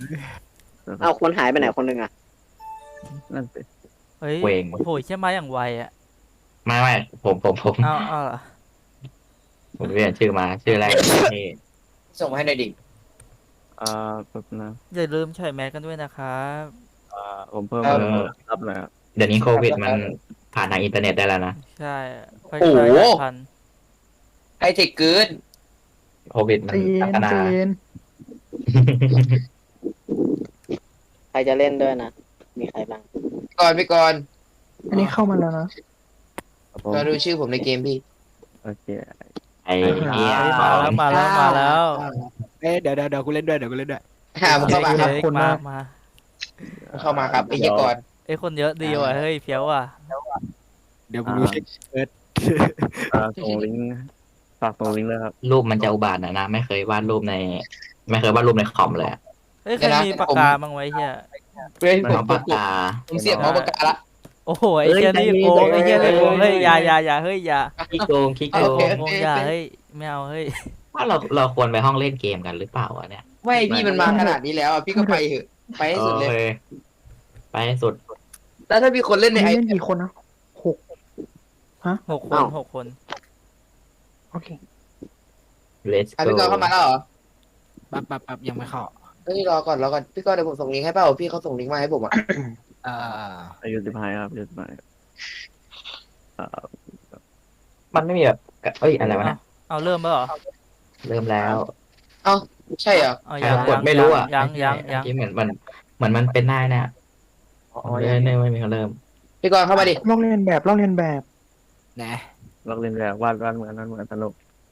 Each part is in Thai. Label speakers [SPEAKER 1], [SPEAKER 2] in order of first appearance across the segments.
[SPEAKER 1] เอาคนหายไปไหนคนหนึ่งอ่ะ
[SPEAKER 2] นั่นสิ
[SPEAKER 3] เฮ้ย
[SPEAKER 4] เวง
[SPEAKER 3] โหยใช่ไหมอย่างไวอ่ะ
[SPEAKER 4] ไม่ผม
[SPEAKER 3] เอาเหรอ
[SPEAKER 4] ผมเปลี่ยนชื่อมาชื่อแรกนี่
[SPEAKER 5] ส่งมาให้หน่อยดิ
[SPEAKER 2] แบบนะ
[SPEAKER 3] อย่าลืมใส่แมสกันด้วยนะครับ
[SPEAKER 2] ผมเพิ่ม
[SPEAKER 4] เออ
[SPEAKER 2] รับหน่อยครับ
[SPEAKER 4] เดี๋ยวนี้โควิดมันผ่านทางอินเทอร์เน็ตได้แล้วนะ
[SPEAKER 3] ใช่ค่อย
[SPEAKER 5] โอ้
[SPEAKER 3] ๆ
[SPEAKER 5] โห
[SPEAKER 3] หลายพัน
[SPEAKER 5] ไฮเทคเกิน
[SPEAKER 4] โควิดมันพัฒนา
[SPEAKER 1] ใครจะเล่นด้วยนะมีใครบ้าง
[SPEAKER 5] ก่อน
[SPEAKER 6] อันนี้เข้ามาแล้วนะ
[SPEAKER 2] ครับผม
[SPEAKER 5] ก็ดูชื่อผมในเกมพี่
[SPEAKER 2] โอเค
[SPEAKER 4] ไอ้เหี้ย
[SPEAKER 3] เฮ้ยมาแล้ว
[SPEAKER 7] เดี๋ยวกูเล่นด้วยเดี๋ยวกูเล่นด้วย
[SPEAKER 5] มึงเข้ามาครับ
[SPEAKER 3] เฮ้ย
[SPEAKER 6] คน
[SPEAKER 3] มา
[SPEAKER 6] นะ
[SPEAKER 3] มา
[SPEAKER 5] มึงเข้ามาครับไอ้เหี้ยก่อน
[SPEAKER 3] เอ้ยคนเยอะดีว่ะเฮ้ยเฟี้ยวว่ะ
[SPEAKER 7] เดี๋ยวกูดูเช็คเอิร์ธ
[SPEAKER 2] ส่งลิงก์ฝากส่งลิงก์เลยครับ
[SPEAKER 4] รูปมันจะอุบาทนะไม่เคยวาดรูปในคอมเลยอะ
[SPEAKER 3] เฮ้ยใครมีปากกาบ้างไว้เฮีย
[SPEAKER 5] เฮ้ย
[SPEAKER 4] น้องปากกา
[SPEAKER 5] ผมเสียบเอาปากกาละ
[SPEAKER 3] โอ้โหไอ้เฮียนี่โกงไอ้เฮียนี่โกงเฮ้ยอย่าเฮ้ยอย่า
[SPEAKER 4] ขี้โกง
[SPEAKER 3] โกงอย่าเฮ้ยไม่เอาเฮ้ย
[SPEAKER 4] ว่าเราควรไปห้องเล่นเกมกันหรือเปล่าวะเนี่ย
[SPEAKER 5] ไม่พี่มันมาขนาดนี้แล้วอ่ะพี่ก็ไปเถอะไปให้สุดเลย
[SPEAKER 4] โอคไปให้สุด
[SPEAKER 5] แล้วถ้ามีคนเล่นใน
[SPEAKER 6] นี่
[SPEAKER 5] ไอ
[SPEAKER 6] เล่นกี่คนนะหก
[SPEAKER 3] หกคน
[SPEAKER 6] โอเค
[SPEAKER 4] let's
[SPEAKER 5] อ่ะ
[SPEAKER 4] go
[SPEAKER 5] พี่กอนเข้ามาแล้วเหรอ
[SPEAKER 7] ปั๊บยังไม่เข้า
[SPEAKER 5] เฮ้ยรอก่อนพี่กอนเดี๋ยวผมส่งลิงก์ให้เปล่าพี่เขาส่งลิงก์มาให้ผมอ่ะ
[SPEAKER 7] เอ่อ
[SPEAKER 2] อายุ15ครับอายุ15ครับ
[SPEAKER 4] มันไม่มีแบบเอ้ยอะไรวะนะ
[SPEAKER 3] เอาเริ่มแล้วเหรอ
[SPEAKER 4] เริ่มแล้ว
[SPEAKER 5] ใช่เหรอ
[SPEAKER 3] เอา
[SPEAKER 4] ใคร
[SPEAKER 3] ยัง
[SPEAKER 4] กดไม่รู้อ่ะ
[SPEAKER 3] ยัง
[SPEAKER 4] ที่เหมือนมันเป็นได้เนี่ยไม่มีเขาเริ่ม
[SPEAKER 5] พี่กอนเข้ามาดิ
[SPEAKER 6] ลอกเรียนแบบ
[SPEAKER 7] นะ
[SPEAKER 2] ลอกเล่นแบบวาดเหมือนสนุก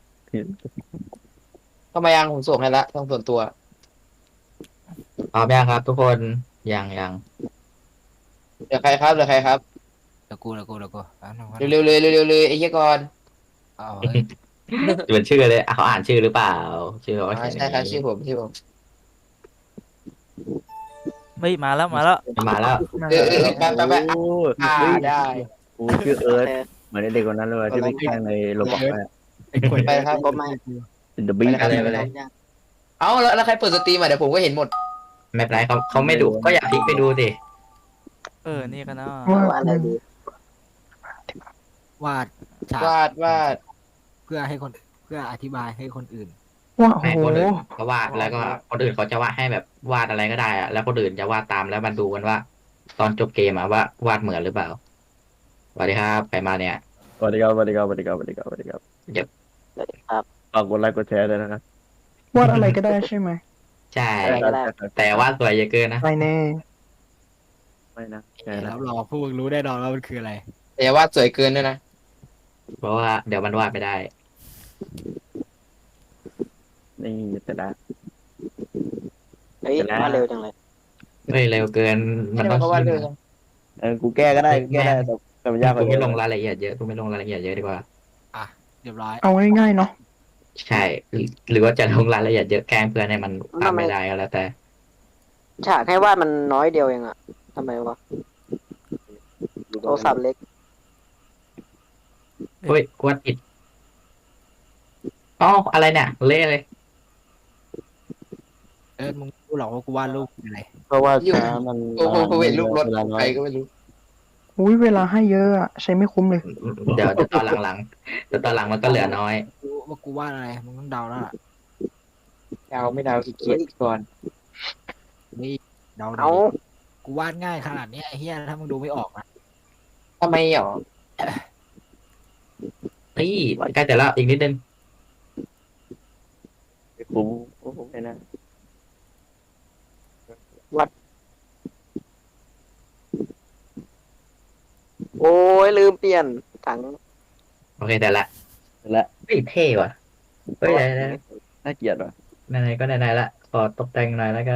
[SPEAKER 5] เข้ามายังผมส่งให้ละทางส่วนตัว
[SPEAKER 4] พร้อมยังครับ ทุกคนยัง
[SPEAKER 5] เหลือใครครับ
[SPEAKER 7] เดี๋ยวกู
[SPEAKER 5] เร็วเลยไอ้เหี้ยก่อน
[SPEAKER 7] เอา
[SPEAKER 4] เป็นชื่อเลยเขาอ่านชื่อหรือเปล่า ชื่อเขา
[SPEAKER 5] อ๋อ
[SPEAKER 4] เขียน
[SPEAKER 5] ใช่ครับชื่อผม
[SPEAKER 3] ไม่มาแล้ว
[SPEAKER 4] มาแล้ว
[SPEAKER 5] ไป
[SPEAKER 2] โอ้
[SPEAKER 5] ได้
[SPEAKER 2] กูชื่อเอิร์ธเหมือนเด็กคนนั้นเลยที่ไปแข่งในโรบอท
[SPEAKER 7] ไอ้คน
[SPEAKER 5] ไปครับ
[SPEAKER 1] ก็ไม่
[SPEAKER 2] เป็นเดอะบิ๊ก
[SPEAKER 4] ไปเลย
[SPEAKER 5] เอาแล้วใครเปิดสตรีมอ่ะเดี๋ยวผมก็เห็นหมด
[SPEAKER 4] ไม่เป็นไรเขาไม่ดูก็อย่าพลิกไปดูสิ
[SPEAKER 3] นี่กันเนาะ
[SPEAKER 1] ว่าอะไรดี
[SPEAKER 7] วาดฉาก
[SPEAKER 5] วาด
[SPEAKER 7] เพื่ออธิบายให้คนอื่น
[SPEAKER 6] ว่าโอ้
[SPEAKER 4] ให้
[SPEAKER 6] โห
[SPEAKER 4] คนอื่นเขาวาดแล้วก็คนอื่นเขาจะวาดให้แบบวาดอะไรก็ได้อะแล้วคนอื่นจะวาดตามแล้วมันดูกันว่า ตอนจบเกมอะว่าวาดเหมือนหรือเปล่าสวัสดีครับใครมาเนี่ย
[SPEAKER 2] สวัสดีครับ
[SPEAKER 1] ครับ
[SPEAKER 2] ฝากกดไลค์กดแชร์ด้วยนะครับ
[SPEAKER 6] วาดอะไรก็ได้ใช่ไหม
[SPEAKER 4] ใช่ แต่วาดสวยเยอะเกินนะ
[SPEAKER 6] ไม่แน่
[SPEAKER 2] ไม่นะแช
[SPEAKER 7] แล้
[SPEAKER 2] ร์
[SPEAKER 7] วรอพวกมึงรู้แน่นอนว่ามันคืออะไร
[SPEAKER 5] แต่อย่าวาดสวยเกินด้วยนะ
[SPEAKER 4] เพราะว่าเดี๋ยวมันวาดไม่ได้
[SPEAKER 2] นี่แต่ละ
[SPEAKER 1] เฮ้ยมาเร็วจังเลย
[SPEAKER 4] เฮ้ยเร็วเกินมันต้อง
[SPEAKER 5] เขาวาดเร็ว
[SPEAKER 2] กูแก้ก็ได้แต่มันยากก
[SPEAKER 4] กู
[SPEAKER 2] ว่า
[SPEAKER 4] ไม่ลงรายละเอียดเยอะกูไม่ลงรายละเอียดเยอะดีกว่า
[SPEAKER 7] เรียบร้อย
[SPEAKER 6] เอาง่ายๆเนาะ
[SPEAKER 4] ใช่หรือว่าจะลงรายละเอียดเยอะแกล้งเพื่อนให้มันทำไม่ได้ก็แล้วแต่
[SPEAKER 1] ฉากให้วาดมันน้อยเดียวเองอะทำไมวะโทรศัพท์เล็ก
[SPEAKER 4] เฮ้ยกวดผิดอ๋ออะไรเนี่ยเละเลย
[SPEAKER 7] มึงรู้หรอกว่ากูวาดรูปอะไร
[SPEAKER 2] เพราะว่าช้ามัน
[SPEAKER 5] ผมเห็นรูปรถใครก็ไม่รู้
[SPEAKER 6] อุ้ยเวลาให้เยอะอะใช้ไม่คุ้มเลย
[SPEAKER 4] เดี๋ยวตอนหลังมันก็เหลือน้อย
[SPEAKER 7] รู้ว่ากูวาดอะไรมึงต้องเดาแล้วล่ะ
[SPEAKER 5] ดาวไม่ดาวขี้เกียจก่อน
[SPEAKER 7] นี่เดา
[SPEAKER 1] เอา
[SPEAKER 7] ดิกูวาดง่ายขนาดเนี้ยไอ้เหี้ยถ้ามึงดูไม่ออกนะ
[SPEAKER 5] ทำไมหรอ
[SPEAKER 4] นี่ใกล้แต่ละอีกนิดนึง
[SPEAKER 2] คุ้มไม่นะ
[SPEAKER 1] โอ้ยลืมเปลี่ยนถัง
[SPEAKER 4] โอเคแต่ละ
[SPEAKER 2] และ
[SPEAKER 4] เฮ้ยเท่ว่ะเฮ้ยไหน
[SPEAKER 2] น่าเกลียดว่ะ
[SPEAKER 4] ไหนก็ไหนละขอตกแต่งหน่อยแล้วกัน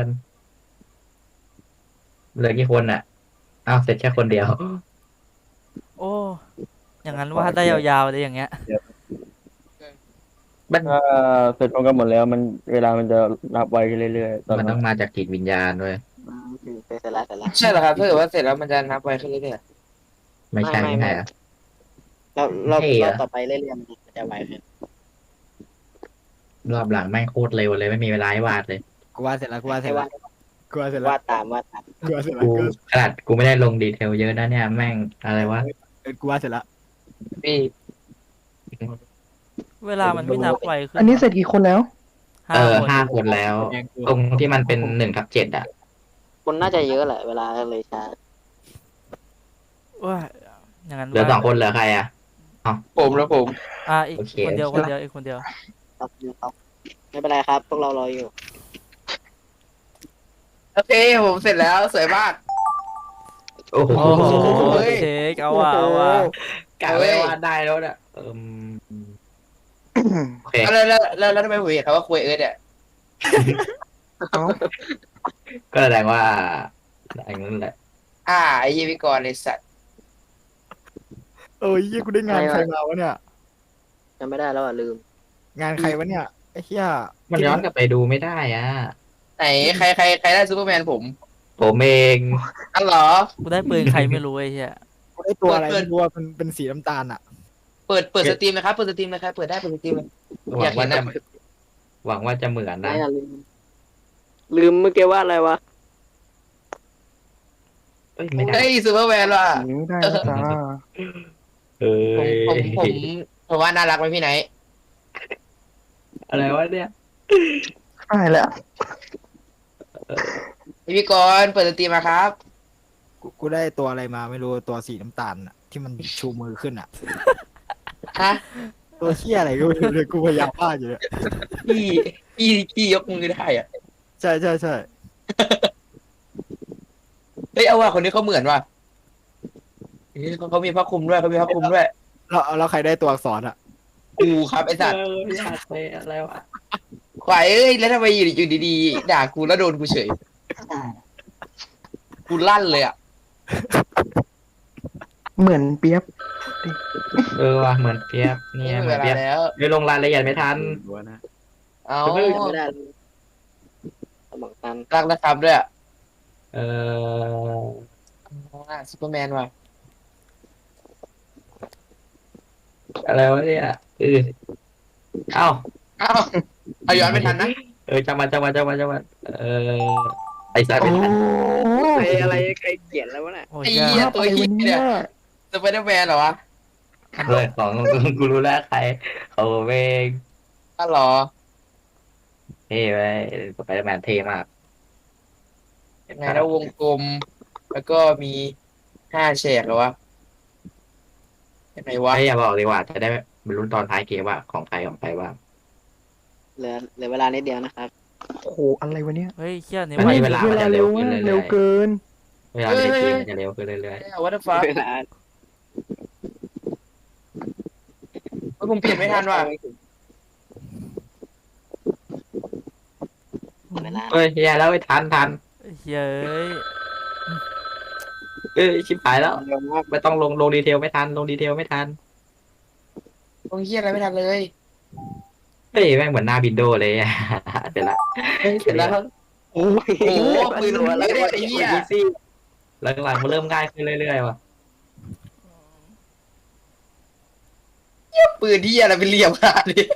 [SPEAKER 4] เหลือกี่คนอ่ะอ้าวเสร็จแค่คนเดียว
[SPEAKER 3] โอ้อย่างนั้นวาดได้ยาวๆเลยอย่างเงี้ย
[SPEAKER 4] มัน
[SPEAKER 2] ถ้าเสร็จพร้อมกันหมดแล้วมันเวลามันจะนับไวขึ้นเรื่อยๆตอน
[SPEAKER 4] มัน
[SPEAKER 2] นั้
[SPEAKER 4] ต้อน งมาจากจิตวิญญาณด้วย
[SPEAKER 1] เสร็จแล้ว
[SPEAKER 5] ใช่เหรอครับถ้าเกิดว่าเสร็จแล้วมันจะนับไวขึ้นเรื่อย
[SPEAKER 4] ไม่ใช่ไม่ใช่อะ
[SPEAKER 1] เราต่อไปเรื่อยๆมันจะไวขึ้น
[SPEAKER 4] รอบหลังแม่งโคตรเร็วเลยไม่มีเวลาให้วาดเลย
[SPEAKER 7] กูวาดเสร็จแล้ว
[SPEAKER 1] ให้วาด
[SPEAKER 7] กูวาดเสร็จแล้ว
[SPEAKER 1] วาดตาม
[SPEAKER 7] กูวาดเสร็จแล้ว
[SPEAKER 4] กูขนาดกูไม่ได้ลงดีเทลเยอะนะเนี่ยแม่งอะไรวะ
[SPEAKER 7] กูวาดเสร็จแล้ว
[SPEAKER 5] พี่
[SPEAKER 3] เวลามันไม่นับไวขึ้น
[SPEAKER 6] อันนี้เสร็จกี่คนแล้ว
[SPEAKER 3] ห้า
[SPEAKER 4] เออ
[SPEAKER 3] คน
[SPEAKER 4] 5 คนแล้ว ตรงที่มันเป็น1/7อ่ะ
[SPEAKER 1] คนน่าจะเยอะแหละเวลาเลยช้า
[SPEAKER 3] ว่าอย่างนั้น
[SPEAKER 4] เหลือ
[SPEAKER 3] ว่า
[SPEAKER 4] 2 คนเหลือใครอ่ะ
[SPEAKER 5] ผมแล้วผม
[SPEAKER 3] อีก
[SPEAKER 4] โอเค
[SPEAKER 3] คนเดียวคนเดียวอีกคนเดียว
[SPEAKER 1] ครับไม่เป็นไรครับ พวกเรารออยู่
[SPEAKER 5] โอเคผมเสร็จแล้วสวยมาก
[SPEAKER 4] โอ้โห
[SPEAKER 3] โอ้โห
[SPEAKER 5] เฮ้ย
[SPEAKER 3] เช็คเอาว่ะเอาว่ะ
[SPEAKER 4] กะไว้ว่าได้แล้วเนี่ยโอเค
[SPEAKER 5] แล้วทำไมผมเห็นเขาว่าคุยเอิร์ธเนี่ย
[SPEAKER 4] ก็แสดงว่าอย่างนั้นแหละ
[SPEAKER 5] ไอ้ยี่พี่กรณ์ไอ้สัตว์
[SPEAKER 7] เอ้ยเหี้ยกูได้งานใครมาวะเนี่ย
[SPEAKER 1] จำไม่ได้แล้วอ่ะลืม
[SPEAKER 7] งานใครวะเนี่ยไอ้เหี้ย
[SPEAKER 4] มันย้อนกลับไปดูไม่ได้อ่ะ
[SPEAKER 5] ไหนใครได้ซูเปอร์แมนผม
[SPEAKER 4] ผมเอง
[SPEAKER 5] อันเหรอ
[SPEAKER 3] กูได้ปืนใครไม่รู้ไอ้เหี้ย
[SPEAKER 7] กูได้ตัวอะไร
[SPEAKER 5] เปิด
[SPEAKER 7] ไม่รู้ว่ามันเป็นสีน้ำตาลอ่ะ
[SPEAKER 5] เปิดสตรีมนะครับเปิดสตรีมเลยครับเปิดได้เปิดสตรีมเลย
[SPEAKER 4] หวังว่าจะหวังว่าจะเหมือน
[SPEAKER 1] ไม่
[SPEAKER 4] นะ
[SPEAKER 1] อะลืมเมื่อกี้ว่าอะไรวะ
[SPEAKER 4] เอ้ยไม่ได้
[SPEAKER 5] เฮ้ยซูเปอร์แมนว่ะ
[SPEAKER 6] ไม่ได้นะจ้า
[SPEAKER 4] เอ้
[SPEAKER 5] ผม
[SPEAKER 4] ย
[SPEAKER 5] ผมว่าน่ารักไหมพี่ไหน
[SPEAKER 4] อะไรวะเนี่ย
[SPEAKER 6] ใช่แล้ว
[SPEAKER 5] พี่กรณ์เปิดสตรีมมาครับ
[SPEAKER 7] กูได้ตัวอะไรมาไม่รู้ตัวสีน้ำตาลอ่ะที่มันชูมือขึ้นอ่ะ
[SPEAKER 5] ฮะ
[SPEAKER 7] ตัวเหี้ยอะไรก็ไม่รู้เลยกูพยายามวาดอยู่เนี่ย
[SPEAKER 5] พี่ยกมือได้อ่ะ
[SPEAKER 7] ใช่ใช่ใช่
[SPEAKER 5] เฮ้ยเอาว่ะคนนี้เขาเหมือนว่ะเฮ้ยเขามีผ้าคลุมด้วยเขามีผ้าคลุมด้วย
[SPEAKER 7] แล้วใครได้ตัวอักษรอ่ะ
[SPEAKER 5] กูครับไอ้สัตว์
[SPEAKER 4] อยากไปอะไรวะ
[SPEAKER 5] ควายเอ้ยแล้วทำไมอยู่ดีๆด่ากูแล้วโดนกูเฉยกูลั่นเลยอ่ะ
[SPEAKER 6] เหมือนเปียบ
[SPEAKER 4] เออว่ะเหมือนเปียบเนี่ยเหมื
[SPEAKER 5] เว
[SPEAKER 4] อน
[SPEAKER 5] ลา
[SPEAKER 4] เปียบ
[SPEAKER 5] แล้ว
[SPEAKER 4] ไม่ลงรายละเอียดไม่ทัน
[SPEAKER 5] เอา
[SPEAKER 1] จำไม่ได้สมองตัน
[SPEAKER 5] รักนะครับด้วยอ่ะ
[SPEAKER 4] เออ
[SPEAKER 5] ซูเปอร์แมนว่ะ
[SPEAKER 4] อะไรวะเนี่ยเอ้า
[SPEAKER 5] เอาย้อนไม่ทันนะ
[SPEAKER 4] จังหวะไอ้สายไม่
[SPEAKER 6] โอ้
[SPEAKER 4] ทัน
[SPEAKER 1] อะไรใครเขียนแล้ววะเนี่ย
[SPEAKER 3] โอ้ย
[SPEAKER 5] ไอ้
[SPEAKER 3] ยา
[SPEAKER 5] เหี้ย
[SPEAKER 3] ก
[SPEAKER 5] ตัวเหี้ยเนี่ยสไปเดอร์แมนเหรอวะ
[SPEAKER 4] เลยของกูรู้แล้วใครเขาเอง
[SPEAKER 5] อ้าวเหรอ
[SPEAKER 4] เท่ไปสไปเดอร์แมนเท่มาก
[SPEAKER 5] ยังไงแล้ววงกลม แล้วก็มี5 แฉกเหรอวะยังไงวะ
[SPEAKER 4] ไม่อย่าบอกดีกว่าจะได้บรรลุตอนท้ายเกมว่าของใครบ้าง
[SPEAKER 1] เหลือเวลานิดเดียวนะครับ
[SPEAKER 6] โหอะไรวะเนี่ย
[SPEAKER 3] เฮ้ยเชี่ยนี่
[SPEAKER 4] มัน
[SPEAKER 3] ไว
[SPEAKER 4] มีเวลามันจะเร็วขึ้นเรื่อยๆ
[SPEAKER 6] เร็วเกิน
[SPEAKER 4] เวลาในเกมมันจะเร็วขึ้นเรื่อย
[SPEAKER 5] วัตถุฟ้า
[SPEAKER 1] เวลา
[SPEAKER 5] ผมเปลี่ยนไม่ทันว่ะ
[SPEAKER 1] เวลา
[SPEAKER 4] ๆเฮ้ยแย่แล้วไม่ทัน
[SPEAKER 3] เฮ้ย
[SPEAKER 4] ชิบหายแล้ว
[SPEAKER 1] เร็วมาก
[SPEAKER 4] ไม่ต้องลงดีเทลไม่ทัน
[SPEAKER 5] ตรงเหี้ยอะไรไม่ทันเลย
[SPEAKER 4] เฮ้ยแม่งเหมือนหน้าวินโดว์เลยอะเสร็จละ
[SPEAKER 5] เสร็จแล้ว
[SPEAKER 1] โอ้
[SPEAKER 5] โอ้โหปืนหัวแล้วเนี่ยไอ้เหี้ย
[SPEAKER 4] อีซี่หลังๆมันเริ่มง่ายขึ้นเรื่อยๆว่ะ
[SPEAKER 5] ปืนที่อะไรเป็นเหลี่ยมขนาดนี้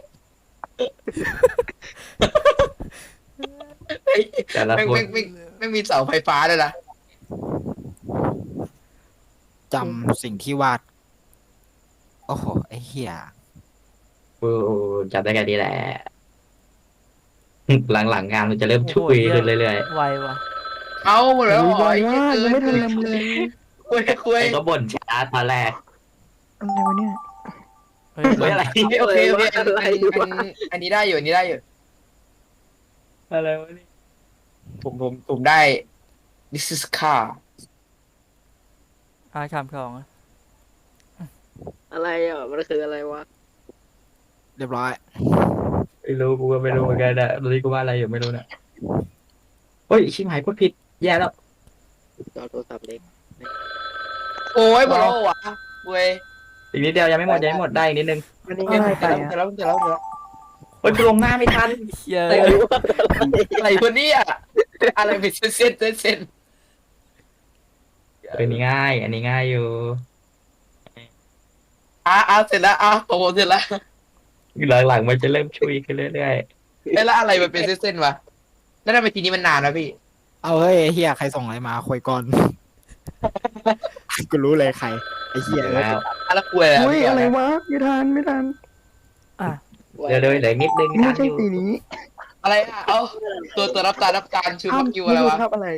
[SPEAKER 4] แต่ละ
[SPEAKER 5] แม่ง
[SPEAKER 4] คน
[SPEAKER 5] ไม่มีเสาไฟฟ้าเลยนะ
[SPEAKER 7] จำสิ่งที่วาดโอ้โหไอ้เหี้ย
[SPEAKER 4] กูจับได้แค่นี้แหละ หลังๆงานมันจะเริ่มชุยขึ้นเรื่อย
[SPEAKER 3] ไวว่ะ
[SPEAKER 5] เอาหมดแล้ว
[SPEAKER 6] โอ้ย
[SPEAKER 5] อ๋อ
[SPEAKER 6] ไวมากยังไม่ทันเลยเลย
[SPEAKER 5] คุย
[SPEAKER 4] ๆไอ้ก็บ่นช้าตอนแรก
[SPEAKER 6] อะไรวะเนี่ย
[SPEAKER 3] เฮ้ย
[SPEAKER 4] เฮ้ยอะไร
[SPEAKER 5] โอเคอันนี้ได้อยู่อันนี้ได้อยู่
[SPEAKER 4] อะไรวะนี่
[SPEAKER 5] ผมได้ this is car
[SPEAKER 3] คำของอะ
[SPEAKER 1] อะไรอ่ะมันคืออะไรวะ
[SPEAKER 7] เรียบร้อย
[SPEAKER 4] ไม่รู้กูก็ไม่รู้เหมือนกันนะตอนนี้กูว่าอะไรอยู่ไม่รู้นะเฮ้ยชิบหายพูดผิดแย่แล้ว
[SPEAKER 1] จอโทรศัพท์เล็ก
[SPEAKER 5] โอ้ยหมดแล้ววะเว้ย
[SPEAKER 4] อีกนิดเดียวยังไม่หมดได้อีกนิดนึง
[SPEAKER 6] อันนี้ง่ายไป
[SPEAKER 5] เสร็จ
[SPEAKER 6] อ่ะ
[SPEAKER 5] แล้วเสร็จแล้วเสร็จแล้ว
[SPEAKER 4] เฮ้ยกูลงหน้าไม่ทัน
[SPEAKER 3] เชี่ย
[SPEAKER 5] อะไรวะเนี่ยอะไรเป็นเส้น
[SPEAKER 4] อันนี้ง่าย อันนี้ง่ายอยู่
[SPEAKER 5] เสร็จแล้วของผมเสร็จแล้ว
[SPEAKER 4] หลังๆมันจะเริ่มชุยขึ้นเรื่อย
[SPEAKER 5] แล้วอะไรมันเป็นเส้นวะแล้วทำไมทีนี้มันนานวะพี่
[SPEAKER 7] เอาเฮ้ยไอ้เฮียใครส่งอะไรมาคุยก่อน กูรู้เลยใครไอ้เฮีย
[SPEAKER 4] แล้ว
[SPEAKER 5] แล้วคุยอะไร
[SPEAKER 6] อุ้ยอะไรวะไม่ทันไม่ทัน
[SPEAKER 4] เดี๋ยวเหลือนิดนึง
[SPEAKER 6] ไม่ใช่สีนี้
[SPEAKER 5] อะไรอ่ะเอ้าตัวรับตาลชูมักยูอะไร
[SPEAKER 6] ไม่รู้
[SPEAKER 5] วะ
[SPEAKER 6] ทับอะไร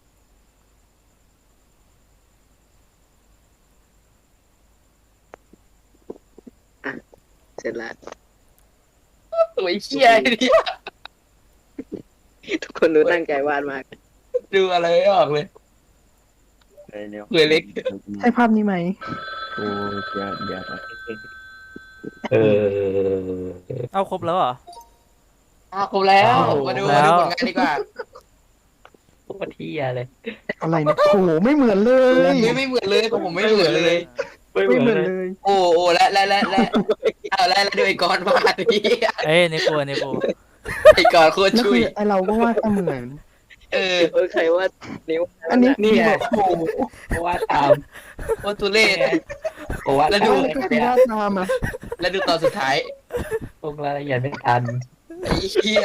[SPEAKER 1] เสร็จแล้ว
[SPEAKER 5] สวยเชี่ยเนี่ย
[SPEAKER 1] ทุกคนดูตั้งใจวาดมาก
[SPEAKER 5] ดูอะไรไม่ออกเลย
[SPEAKER 2] เนี่ย
[SPEAKER 5] สวยเล็ก
[SPEAKER 6] ใช่ภาพนี้ไหม
[SPEAKER 2] โอ้เดี๋ยว
[SPEAKER 4] เออ
[SPEAKER 3] เอาครบแล้วเหรอ
[SPEAKER 5] ครบแล้ว
[SPEAKER 3] โอ้โห
[SPEAKER 5] มาดู
[SPEAKER 3] แล้ว
[SPEAKER 5] ผลงานดีกว่า
[SPEAKER 4] โคตรเที่ยเลย
[SPEAKER 6] อะไรเนี่ยโอ้โหไม่เหมือนเลย
[SPEAKER 5] ไม่เหมือนเลยของผมไม่เหมือนเลย
[SPEAKER 6] ไม่เหมือนเลย
[SPEAKER 5] โอ้แล้วดูไอ้กอนวาดนี่
[SPEAKER 3] เอ้ยในโปในโป
[SPEAKER 5] ไอ้กอนโคตร
[SPEAKER 6] แล้ว
[SPEAKER 5] ชุ
[SPEAKER 6] คื
[SPEAKER 5] ย
[SPEAKER 6] อไอเราก็วาดเสมือน
[SPEAKER 5] เออ
[SPEAKER 1] ใครว่านิ้ว
[SPEAKER 6] อันนี้
[SPEAKER 5] นี่ไง
[SPEAKER 6] โอ้โห
[SPEAKER 4] ว่าตาม
[SPEAKER 5] โคตรทุเรศ
[SPEAKER 4] ว่า
[SPEAKER 5] แล้ว
[SPEAKER 6] ดู
[SPEAKER 5] ดู
[SPEAKER 6] ก็คือวาดตามอ่ะ
[SPEAKER 5] แล้วดูตอนสุดท้าย
[SPEAKER 4] ลงรายละเอียดไม่ทัน
[SPEAKER 5] ไอ้เหี้ย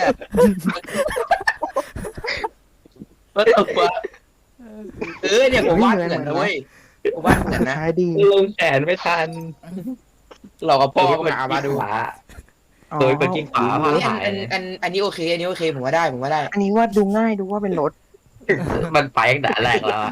[SPEAKER 5] ว่าตกวะเนี่ยผมวาดเหมือนนะเว้ยผมวาดเหมือนนะ
[SPEAKER 6] ขายดี
[SPEAKER 4] ลงแขนไม่ทัน
[SPEAKER 5] เรากับพ่อมาดู
[SPEAKER 4] ขวา
[SPEAKER 6] อ๋อ
[SPEAKER 4] โดยเป็นกิ้งขวาผ่าหาย
[SPEAKER 5] อันนี้โอเคผมว่าได้
[SPEAKER 6] อันนี้วาดดูง่ายดูว่าเป็นรถ
[SPEAKER 4] มันไปตั้งแต่แรกแล้วอะ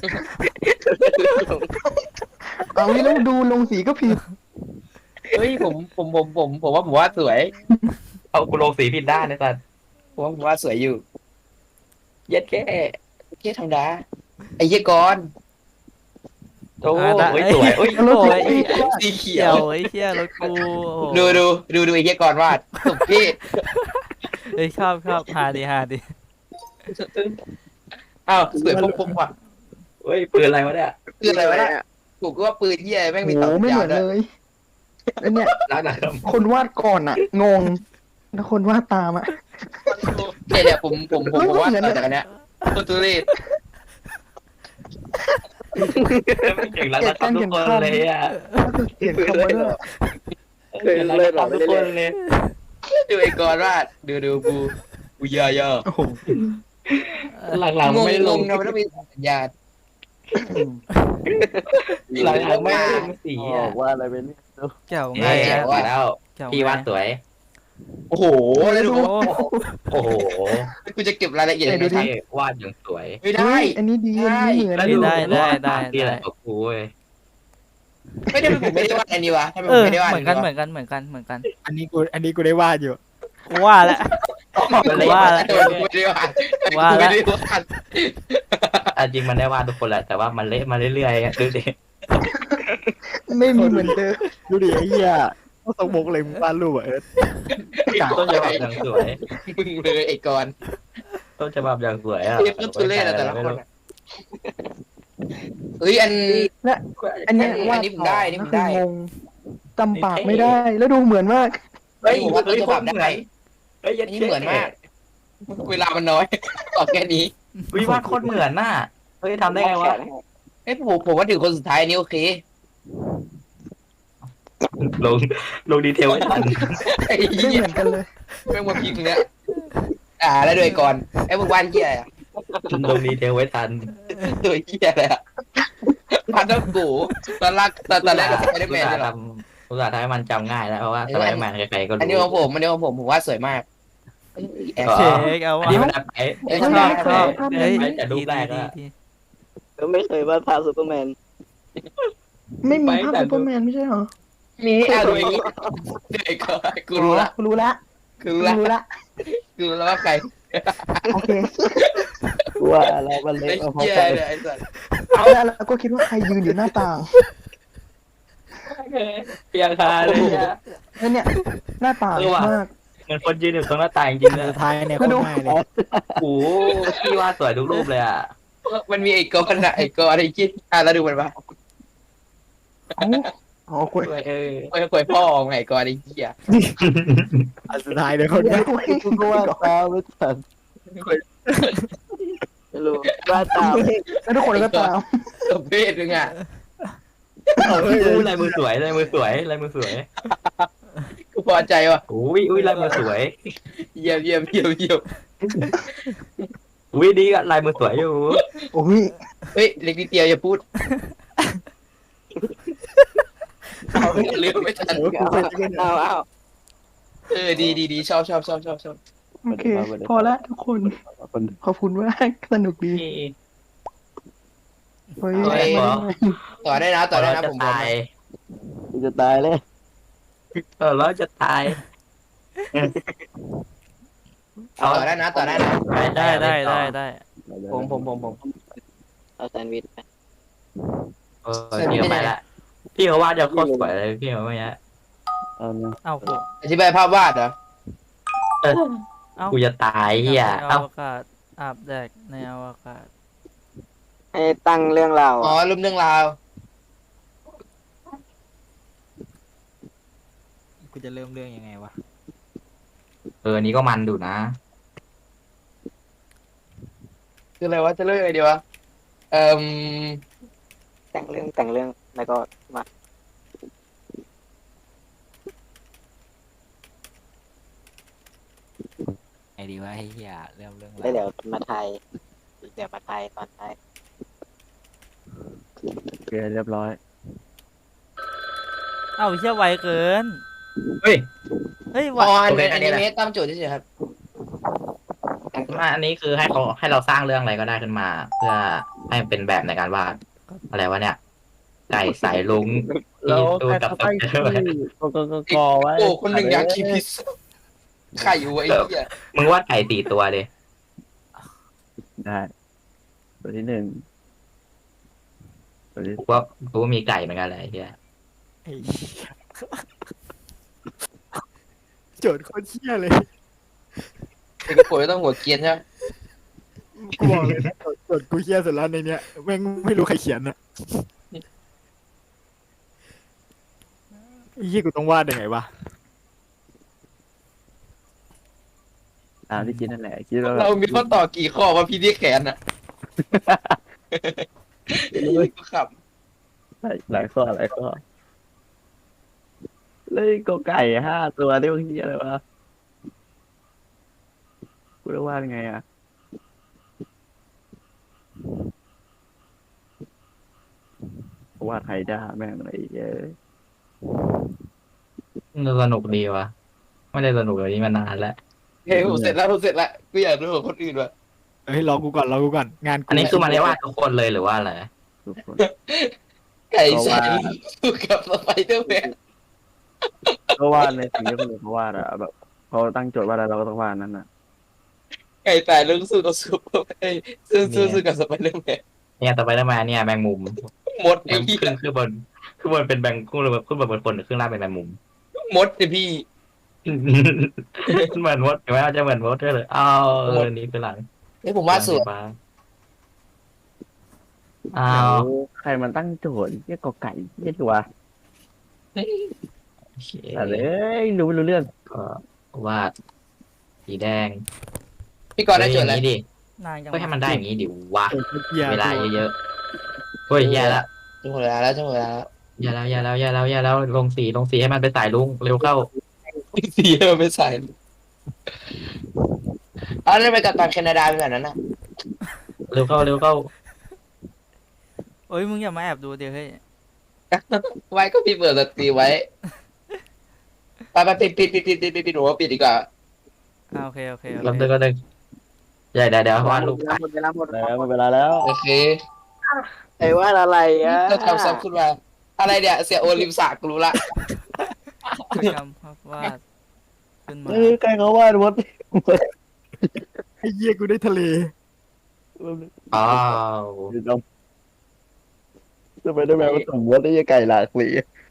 [SPEAKER 6] เอาไม่ต้องดูลงสีก็ผิด
[SPEAKER 5] เฮ้ยผมว่าผมว่าสวย
[SPEAKER 4] เอากูลงสีผิดด้านนะสัตว์
[SPEAKER 5] ผมว่าสวยอยู่
[SPEAKER 4] เย็ดแค่
[SPEAKER 5] เหี้ยธรรมดาไอ้เหี้ยกอน
[SPEAKER 4] โอ้ยสวยโอ้ย
[SPEAKER 6] รถ
[SPEAKER 3] โอ้ย
[SPEAKER 5] สีเขี
[SPEAKER 3] เขี
[SPEAKER 5] ย
[SPEAKER 3] ยว วไอ้เหี้ยรถกูโอ้โห
[SPEAKER 5] ดูไอ้เหี้ยกอนวาดสุดพี่
[SPEAKER 3] เอ้ยชอบหาดิ
[SPEAKER 5] อ้าวสวยปุ๊บว่ะ
[SPEAKER 4] เฮ้ยปืนอะไรวะเนี่ย
[SPEAKER 5] คืออะไรวะเนี่ยผมก็ว่าปืนเหี้ยแม่งมี
[SPEAKER 6] โอ้
[SPEAKER 5] ต่อ
[SPEAKER 6] โหไม่
[SPEAKER 5] ยา
[SPEAKER 6] เห
[SPEAKER 5] ว
[SPEAKER 6] มือน
[SPEAKER 5] ด้
[SPEAKER 6] เล
[SPEAKER 5] วย
[SPEAKER 6] ยแล้วเนี่ย
[SPEAKER 4] ร้านไหนครับ
[SPEAKER 6] คนวาดก่อนอ่ะ งง แล้วคนวาดตามอ่ะ
[SPEAKER 5] เนี่ยผมว่าต่อจากอันเนี้ยโคตรทุเรศ
[SPEAKER 4] ไม่เก่งแล้วนะครับทุกคนเลยอ่ะ
[SPEAKER 6] เขียนคำไว้ด้วย
[SPEAKER 1] เคยเล่นหรอไม่
[SPEAKER 4] ทุก
[SPEAKER 1] ได้
[SPEAKER 4] ค
[SPEAKER 1] เล่
[SPEAKER 4] น
[SPEAKER 1] น
[SPEAKER 4] เลย
[SPEAKER 5] ดูไอ้กอนวาดดูกูเยอะ
[SPEAKER 6] โอ้โห
[SPEAKER 4] หลังๆไม่ลง
[SPEAKER 5] นะมันต้องมีสัญญาณ
[SPEAKER 4] หลังๆไม่ลงสีอ่ะ
[SPEAKER 2] ว่าอะไรเป็น
[SPEAKER 3] เกี่ยว
[SPEAKER 4] ไง
[SPEAKER 3] ไง
[SPEAKER 4] อ่ะ
[SPEAKER 3] อะ
[SPEAKER 4] แล้ว
[SPEAKER 3] เกี่ยว
[SPEAKER 4] พี่วาดสวย
[SPEAKER 5] โอ้โหแล้วดู
[SPEAKER 3] โอ้
[SPEAKER 4] โอ้โห
[SPEAKER 5] กูจะเก็บรายละเอียดยังไง
[SPEAKER 4] พี่
[SPEAKER 5] ทัน
[SPEAKER 4] วาดอย่างสวย
[SPEAKER 5] ไม่ได้
[SPEAKER 6] เฮ้ยอันนี้ดีอันนี้เหมือน
[SPEAKER 4] แล้วดูที่อะไรกับกูเว้ย
[SPEAKER 5] ไม่ได้ผมไม่ได้วาดอันนี้วะทำไมผ
[SPEAKER 3] เอ
[SPEAKER 5] ม
[SPEAKER 3] อ
[SPEAKER 5] ไม่ได้วาด
[SPEAKER 3] เหมือนกัน
[SPEAKER 7] อันนี้กูได้วาดอยู่
[SPEAKER 3] กูว่าแล้ว ว่าแล้ว
[SPEAKER 5] ไม่ได้วาด
[SPEAKER 3] ว่าแล้ว
[SPEAKER 5] ไม่ได้วาด
[SPEAKER 4] จริงมันได้วาดทุกคนแหละแต่ว่ามันเละมาเรื่อยๆดูดิ
[SPEAKER 6] ไม่มีเหมือนเดิม
[SPEAKER 7] ดูดิไอ้เหี้ยเขาสมบกเลยมึงวาดรูปอ่ะ
[SPEAKER 4] ต้นฉบับอย่างสวย
[SPEAKER 5] มึงเลยไอ้กอน
[SPEAKER 4] ต้นฉบับอย่างสวยอ่ะ
[SPEAKER 5] เรียกต้นทุเรศอะแต่ละคนอะเฮ้ยอัน
[SPEAKER 6] อันเนี้ย
[SPEAKER 5] อัน
[SPEAKER 6] วาด
[SPEAKER 5] นี้ผมได้อันนี้ผมได้
[SPEAKER 6] คืองงจำปากไม่ได้ แล้วดูเหมือนมาก
[SPEAKER 5] เฮ้ยผมว่าต้นฉบับได้
[SPEAKER 4] เฮ้ย
[SPEAKER 5] อันนี้เหมือนมาก เวลามันน้อยตอบแค่นี้
[SPEAKER 4] วิวาดโคตรเหมือนน่ะเฮ้ยทำได้ไงวะ
[SPEAKER 5] เอ้ยผมว่าถึงคนสุดท้ายอันนี้โอเค
[SPEAKER 4] ลงดีเทลไม่ทัน
[SPEAKER 5] ไอ้
[SPEAKER 6] ไม่
[SPEAKER 5] เหี้ย
[SPEAKER 6] เหมือนกันเลย
[SPEAKER 5] แม่งมาพิมพ์เนี้ยแล้วด้วยก่อนไอ้พวกบ้านเหี้ยอะ
[SPEAKER 4] ลงดีเทลไว้ทัน
[SPEAKER 5] ตัวเหี้ยอะไรอะพันธุ์กูตอนแรกก็สไปเดอร์แมนใช่หรอ
[SPEAKER 4] อุตส่าห์ทำให้มันจำง่ายแล้วเพราะว่าสไปเดอร์แมนใครๆก็รู้
[SPEAKER 5] อันนี้ของผมว่าสวยมากแอบ
[SPEAKER 3] เช็คเอา
[SPEAKER 4] อัน
[SPEAKER 3] วะ
[SPEAKER 4] นี้มันไป
[SPEAKER 5] เอ้ย
[SPEAKER 3] ชอบเฮ้ย
[SPEAKER 4] แต่รูปแรกอะ
[SPEAKER 3] ดี
[SPEAKER 1] ก็ไม่เคยวาดภาพซูเปอร์แมน
[SPEAKER 6] ไม่มีภาพซูเปอร์แมนไม่ใช่เหรอ
[SPEAKER 5] มีอะไรอย่างงี้เด็กกูรู้ละ
[SPEAKER 6] กูรู้ละ
[SPEAKER 5] กูรู้ละ
[SPEAKER 6] รู้ละ
[SPEAKER 5] กูรู้แล้วว่าใคร
[SPEAKER 6] โอเค
[SPEAKER 2] ว่าอะไรมันเละ
[SPEAKER 5] ไอ้
[SPEAKER 2] เอาพอ
[SPEAKER 5] เหี้ย
[SPEAKER 2] ใจ
[SPEAKER 5] เลยไอ้สัส
[SPEAKER 6] แล้วก็คิดว่าใครยืนอยู่หน้าต่าง
[SPEAKER 4] เปียคาเลย
[SPEAKER 6] แล้วเนี่ยหน้าต่างมาก
[SPEAKER 4] มันคนยืนอยู่ตรงหน้าต่างจริงๆเลย
[SPEAKER 7] สุดท้ายเนี่ยโคตรง่ายเลย
[SPEAKER 4] โอ้พี่วาดสวยทุกรูปเลยอ่ะ
[SPEAKER 5] มันมีไอ้กอนอะไอ้กอนไอ้กิ๊ดแล้วดูมันปะ
[SPEAKER 6] อ๋อคุย
[SPEAKER 5] คุยพ่อไงกอนไอ้เหี้ย
[SPEAKER 7] อันสุดท้ายเนี่ยโคตรง่าย
[SPEAKER 2] กูว่าตาไม่ทัน
[SPEAKER 1] ไม่รู้วาดตาม
[SPEAKER 6] แล้วทุกคนก็ตาม
[SPEAKER 5] ตัวเพศนึงอ่ะ
[SPEAKER 4] ลายมือสวยลายมือสวยลายมือสวย
[SPEAKER 5] กูพอใจว่ะ
[SPEAKER 4] อุ้ยลายมือสวย
[SPEAKER 5] เยี่ยม
[SPEAKER 4] อุ้ยดีอะลายมือสวยอยู่
[SPEAKER 6] โอ้ย
[SPEAKER 5] เฮ้ยเล็กนิดเดียวอย่าพูดเอาเรื่องไม่ทัน
[SPEAKER 1] เอา
[SPEAKER 5] ดีชอบ
[SPEAKER 6] โอเค พอละทุกคน ขอบคุณมากสนุกดีเฮ้ย
[SPEAKER 4] เฮ้ย
[SPEAKER 5] ต่อได้นะ
[SPEAKER 4] จะ
[SPEAKER 5] ผมพร้อม
[SPEAKER 4] ตาย
[SPEAKER 2] จะตายเลย
[SPEAKER 4] เราจะตาย
[SPEAKER 5] ต่อได้นะ
[SPEAKER 3] ได้
[SPEAKER 5] ผม
[SPEAKER 1] เอาแซนด์วิชไป
[SPEAKER 4] พี่เขาไปละพี่เขาวาดจะโคตรสวยเลยพี่เขาไม่ยะ
[SPEAKER 2] เอานะ
[SPEAKER 3] เอ้าโห
[SPEAKER 5] อธิบายภาพวาดเหรอ
[SPEAKER 3] เอ้า
[SPEAKER 4] กูจะตายเฮีย
[SPEAKER 3] ในอ
[SPEAKER 4] เอ้าว
[SPEAKER 3] กาศอาบแดดในอวกาศ
[SPEAKER 1] ให้ตั้งเรื่องราว
[SPEAKER 5] อ๋อ
[SPEAKER 1] อะ
[SPEAKER 5] รูปเรื่องราว
[SPEAKER 7] กูจะเริ่มเรื่องยังไงวะ
[SPEAKER 4] อันนี้ก็มันดูนะ
[SPEAKER 5] คืออะไรวะจะเริ่มยังไงดีวะม
[SPEAKER 1] แต่งเรื่องแล้วก็มา
[SPEAKER 7] ไงดีวะไอ้เหี้ยเริ่มเรื่อง
[SPEAKER 1] แล้วเดี๋ยวมาไทยตอนท้าย
[SPEAKER 2] โอเคเรียบร้อย
[SPEAKER 3] เอ้าเชี่ยไวเกิน
[SPEAKER 4] เฮ้ย
[SPEAKER 3] เฮ้ยไว
[SPEAKER 5] อ๋ออัน
[SPEAKER 4] โอเค
[SPEAKER 5] นี้
[SPEAKER 4] อั
[SPEAKER 5] อั
[SPEAKER 4] น
[SPEAKER 5] น
[SPEAKER 4] นี้
[SPEAKER 5] นี้
[SPEAKER 4] แหละ
[SPEAKER 5] เมสตามโจทย์เฉยๆครับ
[SPEAKER 4] อันนี้คือให้เราสร้างเรื่องอะไรก็ได้ขึ้นมา เพื่อให้มันเป็นแบบในการวาดอะไรวะเนี่ย ไก่สายลุง
[SPEAKER 2] แล้ว
[SPEAKER 4] ดู
[SPEAKER 2] ใคร
[SPEAKER 4] กับ
[SPEAKER 2] เขาตั้งชื่อกอไว้
[SPEAKER 5] โอ้คนหนึ่งอยากกินพิซซ่าไข่อยู่ไอ้เหี้ย
[SPEAKER 4] มึงวาดไก่4 ตัวเลย
[SPEAKER 2] ได้ตัวที่หนึ่งตัวที่
[SPEAKER 4] กูว่ามีไก่เหมือนกันเลยไอ้เฮีย
[SPEAKER 7] ไอ้เหี้ยโจทย์โคตรเหี้ยเลย
[SPEAKER 5] เป็นกระโปรงต้องหัวเกรียนใช่ไหม
[SPEAKER 7] กูบอกเลยนะโจทย์กูเหี้ยสุดแล้วในเนี้ยแม่งไม่รู้ใครเขียนอะไอ้เหี้ยกูต้องวาดยังไงวะ
[SPEAKER 2] ตามที่คิดนั่นแหละคิดว่า
[SPEAKER 5] เรามีข้อต่อกี่ข้อว่าพี่ที่แขนอ่ะกูขับ
[SPEAKER 2] หลายข้อเลยกอไก่5 ตัวที่มึงเฮียอะไรวะกูจะวาดยังไงอ่ะวาดไฮด้าแม่งอะไรเยอะ
[SPEAKER 4] สนุกดีวะไม่ได้สนุกแบบนี้มานานแล้ว
[SPEAKER 5] เฮ้ยผมเสร็จแล้วกูอยากดูของคนอื่นว่ะ
[SPEAKER 7] เฮ้ยรอกูก่อนงานกู
[SPEAKER 4] อันนี้คือมันได้วาดทุกคนเลยหรือว่าอะไร
[SPEAKER 2] ทุกคน
[SPEAKER 5] ไก่ใส่สู้กับสไปเดอร์แมน
[SPEAKER 2] ก็วาดในสิ่งที่คนอื่นเขาวาดอะแบบเขาตั้งโจทย์ว่าอะไรเราก็ต้องวาดนั่นน่ะ
[SPEAKER 5] ไก่ตายเรื่องสู้กับซูเปอร์เอ้ยสู้กับสไปเดอร์แมน
[SPEAKER 4] เนี่ยต่อไปได้มาเนี่ยแมงมุม
[SPEAKER 5] มดไอ้
[SPEAKER 4] ขึ้
[SPEAKER 5] เหี้ย
[SPEAKER 4] นคือบนเป็นแมงขึ้นบนคนหรือขึ้นล่างเป็นแมงมุม
[SPEAKER 5] มดเนี่ยพี่
[SPEAKER 4] เหมือนมดเห็นไหมจะเหมือนมดด้วยเลยอ้าวนี่คือหลัง
[SPEAKER 5] เฮ้ยผมวาดสวย
[SPEAKER 4] อ้า
[SPEAKER 2] เดี๋ยว
[SPEAKER 4] ว
[SPEAKER 2] ใครมันตั้งโจทย์เรียกกอไก่เรียกตัว
[SPEAKER 4] โอเค
[SPEAKER 2] อะไรรู้ไม่รู้เรื่อง
[SPEAKER 4] ก็วาดสีแดง
[SPEAKER 5] พี่กรณ์ได้โจทย์อะไร
[SPEAKER 4] อย่างนี้ดิ
[SPEAKER 3] นานจัง
[SPEAKER 4] ก็ให้มันได้อย่างนี้ดิวะ
[SPEAKER 7] โคตรเหี้ย
[SPEAKER 4] เวลาเยอะๆเฮ้ยแย่แล้ว
[SPEAKER 5] จังหวะแล้ว
[SPEAKER 4] อย่าแล้วลงสีให้มันไปสายลุงเร็วเข้า
[SPEAKER 5] สีมันไม่ใส่เอาแล้วไปกับตอนแคนาดาเป็นแบบนั้นนะ
[SPEAKER 4] เร็วเข้า
[SPEAKER 3] โอ้ยมึงอย่ามาแอบดูเดี๋ยวเฮ้ย
[SPEAKER 5] ไว้ก็พี่เปิดสตรีไว้ไปปิดหนูว่าปิดดีกว่า
[SPEAKER 3] โอเค
[SPEAKER 4] ลำเดินก็เดินเดี๋ยววาดรูป
[SPEAKER 1] หมดเวลาหมด
[SPEAKER 2] แล้วหมดเวลาแล้ว
[SPEAKER 5] โอเค
[SPEAKER 1] ไอ้ว่าอะไรอ่ะ
[SPEAKER 5] เราทำซ้ำขึ้นมาอะไรเนี่ยเสียโอลิมสากรู้ละ
[SPEAKER 3] กิจกรรมภาพวาดขึ้นมา
[SPEAKER 2] ใครเขาวาดมด
[SPEAKER 7] ไอ้เหี้ยกูได้ทะเล
[SPEAKER 4] อ้าว
[SPEAKER 2] จะไปได้ไหมว่าสมมติได้ไก่หลากสี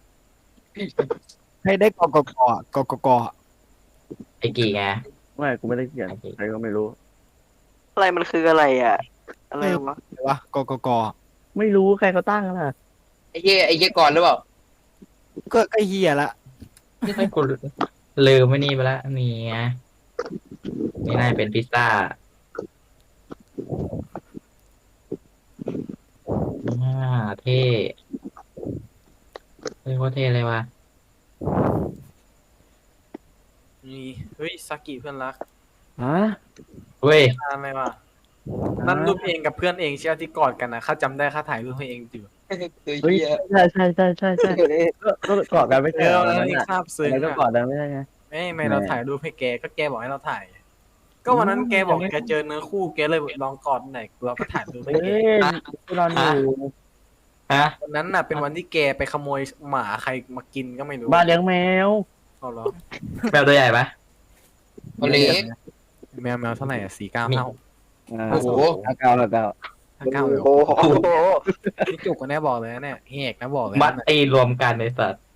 [SPEAKER 7] ให้ได้กก
[SPEAKER 4] ไอ้กี่ไง
[SPEAKER 2] ไม่กูไม่ได้เขียนใครก็ไม่รู้
[SPEAKER 1] อะไรมันคืออะไรอ่ะ อะไรวะ
[SPEAKER 7] อะไรวะก
[SPEAKER 2] ไม่รู้ใครเขาตั้งล่ะ
[SPEAKER 5] ไอ้เหี้ยก่อนหรือเปล่า
[SPEAKER 7] ก็ไอ้เหี้ยละ
[SPEAKER 4] ไม่กูลืมไม่นี่ไปแล้วนี่ไงนี่น่าจะเป็นพิซซ่าเท่เฮ้ยโคตรเท่เลยวะ
[SPEAKER 8] นี่เฮ้ยซากิเพื่อนรัก
[SPEAKER 2] ฮะ
[SPEAKER 4] เว้ย
[SPEAKER 8] ตามไหมวะนั่นรูปเองกับเพื่อนเองเชียวที่กอดกันนะข้าจำได้ข้าถ่ายรูปให้เองอยู่
[SPEAKER 5] ตัว
[SPEAKER 2] เฮ้ย
[SPEAKER 5] เหี้ย
[SPEAKER 2] ใช่ก็กอดกันไม่
[SPEAKER 8] เอ
[SPEAKER 2] ใช่
[SPEAKER 8] อ
[SPEAKER 2] เหรอ
[SPEAKER 8] แล้ว
[SPEAKER 2] นั่น
[SPEAKER 8] นี่
[SPEAKER 2] น่ะ
[SPEAKER 8] คาบซึ้ง
[SPEAKER 2] แล้วก็กอ
[SPEAKER 8] อ่ะ
[SPEAKER 2] ดกันไม่ใช่ไง
[SPEAKER 8] ไม่เราถ่ายรูปให้แกก็แกบอกให้เราถ่าย ก็วันนั้นแกบอกแกเจอเนื้อคู่แกเลยลองกอดหน่อยเราก็ถ่ายรูปให้
[SPEAKER 2] เฮ้
[SPEAKER 8] แก
[SPEAKER 2] ยที่นอนอยู่
[SPEAKER 4] ฮะ
[SPEAKER 8] วันนั้นน่ะเป็นวันที่แกไปขโมยหมาใครมากินก็ไม่รู้
[SPEAKER 2] บ้านเลี้ยงแมว
[SPEAKER 8] เอาเหรอ
[SPEAKER 4] แมวตัวใหญ่ปะ
[SPEAKER 5] ตัวเล็ก
[SPEAKER 8] แมวเท่าไหร่อ่ะ495
[SPEAKER 5] โอ้โห
[SPEAKER 2] เก้าเลย
[SPEAKER 8] 59เลย
[SPEAKER 1] โอ้โห
[SPEAKER 8] นี่จุกกันแน่บอกเลยนะเนี่ยเฮกนะบอกเลย
[SPEAKER 4] มัด
[SPEAKER 8] นะ
[SPEAKER 4] ตีรวมกันในสัตว์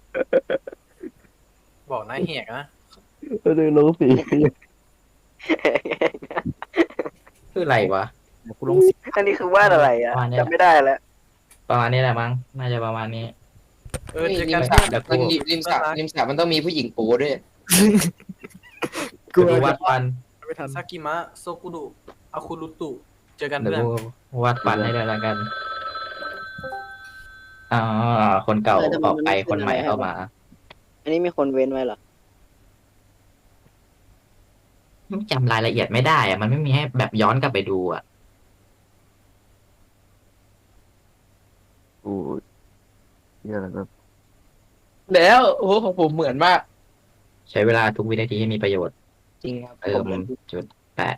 [SPEAKER 8] บอกนะเฮกนะ
[SPEAKER 2] ก็ดูรู้สี
[SPEAKER 4] คืออะไรวะ
[SPEAKER 3] กูลงสิ
[SPEAKER 1] อันนี้คือวาดอะไรอ่ะ
[SPEAKER 4] วาดเนี่ย
[SPEAKER 1] จำไม่ได้แล้ว
[SPEAKER 4] ประมาณนี้แหละมั้งน่าจะประมาณนี้
[SPEAKER 8] เออเจอ
[SPEAKER 5] ริ
[SPEAKER 8] กัน
[SPEAKER 5] มสระ
[SPEAKER 4] เดี๋ยวกู
[SPEAKER 5] มันริมสระมันต้องมีผู้หญิงโป๊ด้วย
[SPEAKER 4] เดี๋ยวกูวาดฟัน
[SPEAKER 3] ไม่ทัน
[SPEAKER 8] ซากิมะโซกุดุอาคุรุตุเจอกัน
[SPEAKER 4] เดี๋ยว
[SPEAKER 8] เพื่อน
[SPEAKER 4] กูวาดฟันให้เลยละกันอ๋อคนเก่าออกไปคนใหม่เข้ามา
[SPEAKER 1] อันนี้มีคนเว้นไว้เหรอ
[SPEAKER 4] จำรายละเอียดไม่ได้อะมันไม่มีให้แบบย้อนกลับไปดูอะ
[SPEAKER 2] โอ้ยเยอะแล้วก็
[SPEAKER 5] แล้วโอ้โหของผมเหมือนมาก
[SPEAKER 4] ใช้เวลาทุกวินาทีให้มีประโยชน์
[SPEAKER 5] จริงครับ
[SPEAKER 4] เติมจุดแปะ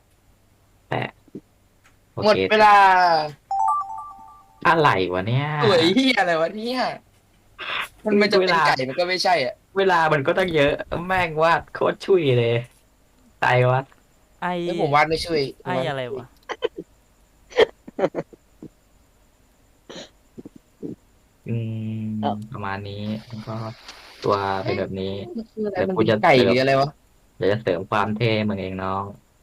[SPEAKER 4] โอ
[SPEAKER 5] หมด
[SPEAKER 4] เค
[SPEAKER 5] เวลา
[SPEAKER 4] อะไรวะเนี่ย
[SPEAKER 5] สวยเหี้ยอะไรวะเนี่ยมันจะเป็นไก่มันก็ไม่ใช่อ่ะ
[SPEAKER 4] เวลามันก็ต้องเยอะ แม่งวาดโคตรชุยเลยตายวะ
[SPEAKER 3] ไอ
[SPEAKER 5] แล้วผมวาดไม่ช่วย
[SPEAKER 3] ไออะไรวะ
[SPEAKER 4] อืม
[SPEAKER 1] เอ้า
[SPEAKER 4] ประมาณนี้แล้วก็ตัวเป็นแบบนี้
[SPEAKER 5] มันคืออะไร
[SPEAKER 4] เดี๋ยว
[SPEAKER 5] มัน
[SPEAKER 4] กูจะ
[SPEAKER 5] ไก่หรืออะไรวะ
[SPEAKER 4] เดี๋ยวจะเสริมความเท่มึงเองน้อง